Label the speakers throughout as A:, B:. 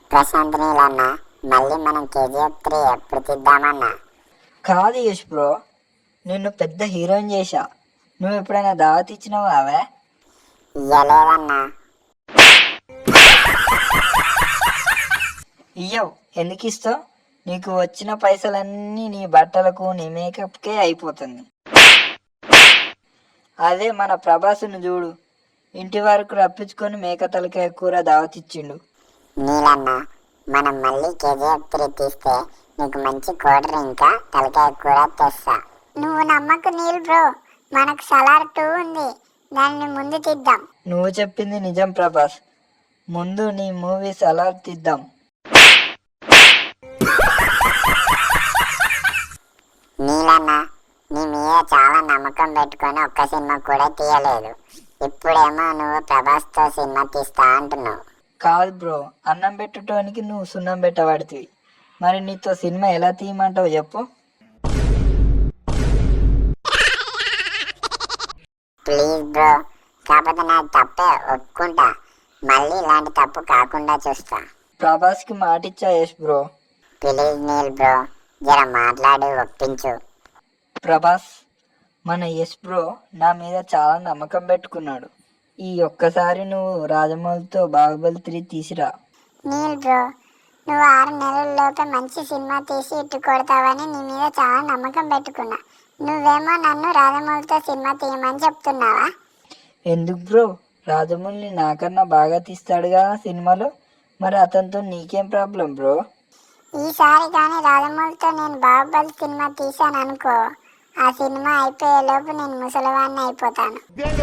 A: ప్రశాంత్ నీలన్నా, మళ్ళీ మనం KGF 3 ఎప్పుడు తీద్దామన్నా?
B: కాదు యష్ బ్రో, నిన్ను పెద్ద హీరోయిన్ చేశా. నువ్వు ఎప్పుడైనా దావత్ ఇచ్చినావా అవే?
A: ఇయ్యలేదన్నా.
B: ఇయ్యవు, ఎందుకు ఇస్తావు? నీకు వచ్చిన పైసలన్నీ నీ బట్టలకు నీ మేకప్కే అయిపోతుంది. అదే మన ప్రభాస్ను చూడు, ఇంటి వరకు రప్పించుకొని మేక తలకాయ కూర దావత్ ఇచ్చిండు.
A: నీలన్నా, మనం మళ్ళీ KGF 3 తీస్తే నీకు మంచి కోల్డ్ డ్రింక్ తలకాయ కూర తెస్తా. నువ్వు నమ్మకు నీల్ బ్రో, మనకు సలార్ 2 ఉంది, దాన్ని ముందు తీద్దాం.
B: నువ్వు చెప్పింది నిజం ప్రభాస్, ముందు నీ మూవీ సలార్ తీద్దాం.
A: నీలన్నా, నీ మీద చాలా నమ్మకం పెట్టుకొని ఒక్క సినిమా కూడా తీయలేదు. ఇప్పుడేమో నువ్వు ప్రభాస్తో సినిమా తీస్తా అంటున్నావు.
B: కాదు బ్రో, అన్నం పెట్టడానికి నువ్వు సున్నం పెట్టబడితివి, మరి నీతో సినిమా ఎలా తీయమంటావు చెప్పు?
A: ప్లీజ్ బ్రో, కాకపోతే నాకు తప్పే ఒప్పుకుంటా. మళ్ళీ ఇలాంటి తప్పు కాకుండా చూస్తా.
B: ప్రభాస్కి మాటిచ్చా Yash bro.
A: Please Neel bro, జర మాట్లాడి ఒప్పించు.
B: ప్రభాస్, మన యష్ బ్రో నా మీద చాలా నమ్మకం పెట్టుకున్నాడు. ఈ ఒక్కసారి నువ్వు రాజమౌళితో బాహుబలి 3 తీసిరా.
A: నీల్ బ్రో, నువ్వు 6 నెలల్లోపే మంచి సినిమా తీసి ఇట్టు కొడతావని నీ మీద చాలా నమ్మకం పెట్టుకున్నా. నువ్వేమో నన్ను రాజమౌళితో సినిమా తీయమని చెప్తున్నావా?
B: ఎందుకు బ్రో, రాజమౌళి నాకన్నా బాగా తీస్తాడు కదా సినిమాలో, మరి అతనితో నీకేం ప్రాబ్లం బ్రో?
A: ఈసారి కానీ రాజమౌళితో నేను బాహుబలి సినిమా తీశాను అనుకో, ఆ సినిమా అయిపోయేలోపు నేను ముసలివాడిని అయిపోతాను.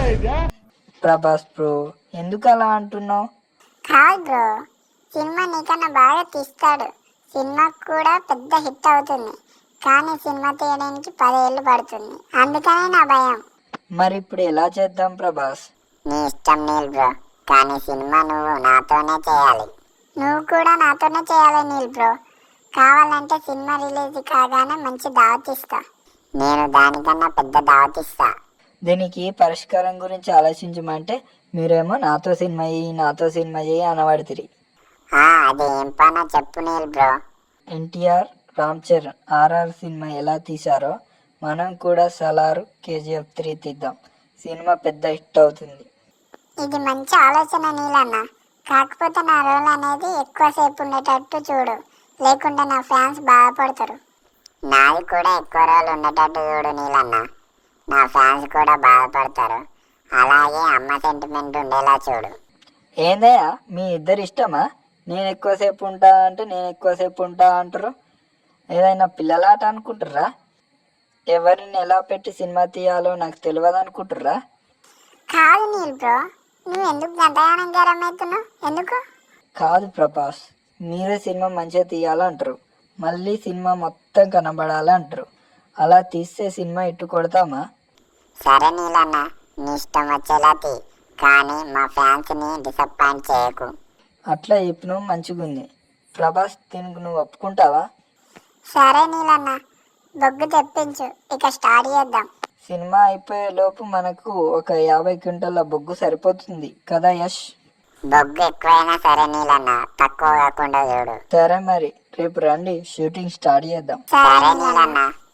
B: ప్రభాస్ బ్రో, ఎందుకు అలా అంటున్నావు?
A: కాదు బ్రో, సినిమా నీకన్నా బాగా తీస్తాడు, సినిమా కూడా పెద్ద హిట్ అవుతుంది. కానీ సినిమా తీయడానికి 10 ఏళ్ళు పడుతుంది, అందుకనే నా భయం.
B: మరి ఇప్పుడు ఎలా చేద్దాం ప్రభాస్?
A: నీ ఇష్టం నీల్ బ్రో, కానీ సినిమా నువ్వు నాతోనే చేయాలి. నువ్వు కూడా నాతోనే చేయాలి నీల్ బ్రో. కావాలంటే సినిమా రిలీజ్ కాగానే మంచి దావత్ ఇస్తా. నేను దానికన్నా పెద్ద దావత్ ఇస్తా.
B: దీనికి పరిష్కారం గురించి ఆలోచించమంటే మీరేమో నాతో సినిమా చేయి అనబడితిరి.
A: అది ఏం పనో చెప్పు Neel bro.
B: NTR, Ram Charan RR cinema ఎలా తీశారో మనం కూడా సలార్ KGF 3 తీద్దాం. సినిమా పెద్ద హిట్ అవుతుంది.
A: ఇది మంచి ఆలోచన నీలన్న, కాకపోతే నా రోల్ అనేది ఎక్కువసేపు ఉండేటట్టు చూడు, లేకుంటే నా ఫ్యాన్స్ బాధపడతారు. నాది కూడా ఎక్కువ రోజులు ఉండేటట్టు చూడు నీలన్న, నా ఫ్యాన్స్ కూడా బాధపడతారు. అలాగే అమ్మ సెంటిమెంట్ ఉండేలా చూడు.
B: ఏందయ్యా మీ ఇద్దరు ఇష్టమా? నేను ఎక్కువసేపు ఉంటా అంటే నేను ఎక్కువసేపు ఉంటా అంటారు. ఏదైనా పిల్లలాట అనుకుంటుర్రా? ఎవరిని ఎలా పెట్టి సినిమా తీయాలో నాకు తెలియదు అనుకుంటుర్రా?
A: కాదు నీల్ బ్రో, నువ్వు ఎందుకు గంటగానం గరం అవుతున్నావు? ఎందుకు?
B: కాదు ప్రభాస్, మీరే సినిమా మంచిగా తీయాలంటారు, మళ్ళీ సినిమా మొత్తం కనబడాలంటారు. అలా తీస్తే సినిమా ఇట్టు కొడతామా?
A: సరే నీలన్న, నీ ఇష్టం వచ్చేలా తీ, కానీ మా ఫ్యాన్స్ని డిసప్పాయింట్ చేయకు.
B: అట్లా చెప్పిన మంచిగుంది. ప్రభాస్, దీనికి నువ్వు ఒప్పుకుంటావా?
A: సరే నీలన్న, బొగ్గు తెప్పించు, ఇక స్టార్ట్ చేద్దాం.
B: సినిమా అయిపోయే లోపు మనకు ఒక 50 క్వింటాల బొగ్గు సరిపోతుంది కదా యష్?
A: బొగ్గు ఎక్కువైనా సరే నీలన్న, తక్కువ కాకుండా చూడు.
B: సరే మరి రేపు రండి, షూటింగ్ స్టార్ట్ చేద్దాం.
A: సరే నీలన్న.